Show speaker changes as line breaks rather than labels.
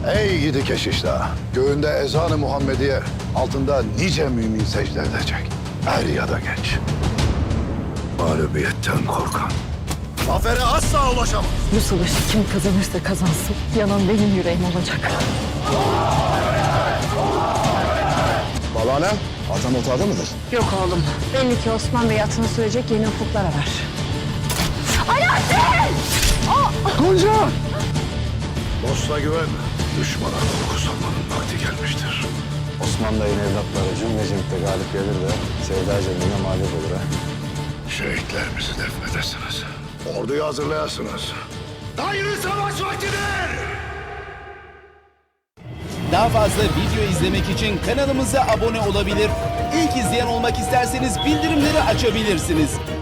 Ey gidi keşişler, göğünde ezan-ı Muhammediye, altında nice mümin secde edecek. Er ya da geç. Mağlubiyetten korkan zafere asla ulaşamaz.
Bu savaşı kim kazanırsa kazansın, yanan benim yüreğim olacak.
Balane, atan otağda mıdır?
Yok oğlum, belli ki Osman Bey atını sürecek yeni ufuklar arar. Alaaddin!
Gonca! Dosta güven, düşmana korku salmanın vakti gelmiştir.
Osman Bey'in evlatları cümlecimde galip gelir de Sevda Cemil'e mağlup olur ha.
Şehitlerimizi defnedesiniz. Orduyu hazırlayasınız. Hayırlı savaş vaktidir!
Daha fazla video izlemek için kanalımıza abone olabilir. İlk izleyen olmak isterseniz bildirimleri açabilirsiniz.